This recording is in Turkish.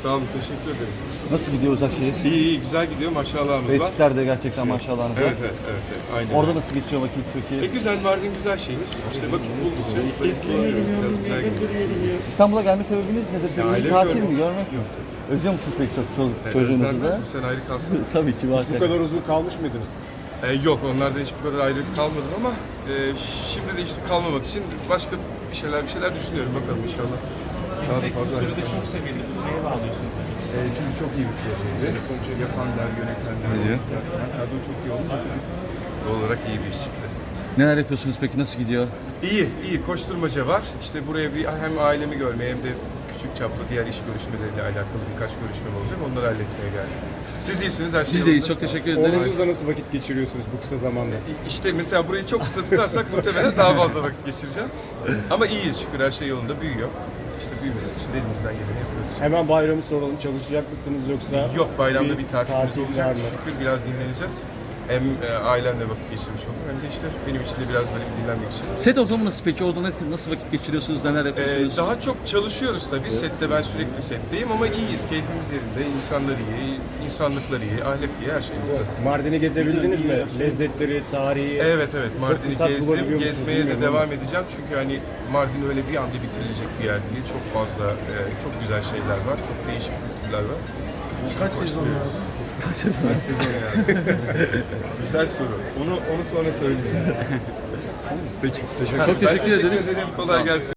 Sağ olun, teşekkür ederim. Nasıl gidiyor Uzakşehir? İyi, güzel gidiyor. Maşallahımız var. Belçikler de gerçekten maşallahınız var. Evet. Aynen. Orada nasıl geçiyor vakit peki? Güzel, Mardin güzel şehir. İşte vakit buldukça biraz güzel gidiyor. İstanbul'a gelme sebebiniz nedir? Ya, ailemi Tatil görmek. mi, görmek mi? Özlüyor musunuz peki çok çocuğunuzu Özlenmez da? mi? Sen ayrı kalsın. Tabii ki var. Bu kadar uzun kalmış mıydınız? Yok, onlardan hiçbir kadar ayrı kalmadım ama şimdi de işte kalmamak için başka bir şeyler düşünüyorum. Bakalım inşallah. Dizide kısa sürede çok sevildi. Bunu neye bağlıyorsunuz hocam? Çünkü çok iyi bir projeydi. Yapanlar, yönetenler, kadro çok iyi olunca doğal olarak iyi bir iş çıktı. Neler yapıyorsunuz peki? Nasıl gidiyor? İyi. Koşturmaca var. İşte buraya hem ailemi görmeye hem de küçük çaplı diğer iş görüşmeleriyle alakalı birkaç görüşmem olacak. Onları halletmeye geldim. Siz iyisiniz, her şey Biz de iyiyiz. yolunda. Çok teşekkür ederiz. Oğlunuzla nasıl vakit geçiriyorsunuz bu kısa zamanda? İşte mesela burayı çok kısa tutarsak muhtemelen daha fazla vakit geçireceğim. Ama iyiyiz şükür, her şey yolunda, büyüyor. İşte büyümesi için de elimizden geleni yapıyoruz. Hemen bayramı soralım. Çalışacak mısınız yoksa? Yok, bayramda bir tatilimiz tatil olacak. var mı? Şükür biraz dinleneceğiz. Hem ailemle vakit geçirmiş oldum hem de işte benim için de biraz böyle bir dinlenmek için. Set ortamı nasıl peki? Orada nasıl vakit geçiriyorsunuz? Neler yapıyorsunuz? Daha çok çalışıyoruz tabii. Sette ben sürekli setteyim ama iyiyiz. Keyfimiz yerinde. İnsanlar iyi, insanlıklar iyi, ahlak iyi, her şeyimiz var. Mardin'i gezebildiniz mi? Lezzetleri, tarihi. Evet. Mardin'i fırsat bulabiliyor gezdim. musunuz Gezmeye de bilmiyorum devam edeceğim. Çünkü hani Mardin öyle bir anda bitirilecek bir yer değil. Çok fazla, çok güzel şeyler var. Çok değişik kültürler var. Kaç sezon lazım? Kaç sezon? Güzel soru. Onu sonra söyleyeceğiz. Peki. Çok teşekkür ederiz. Kolay gelsin.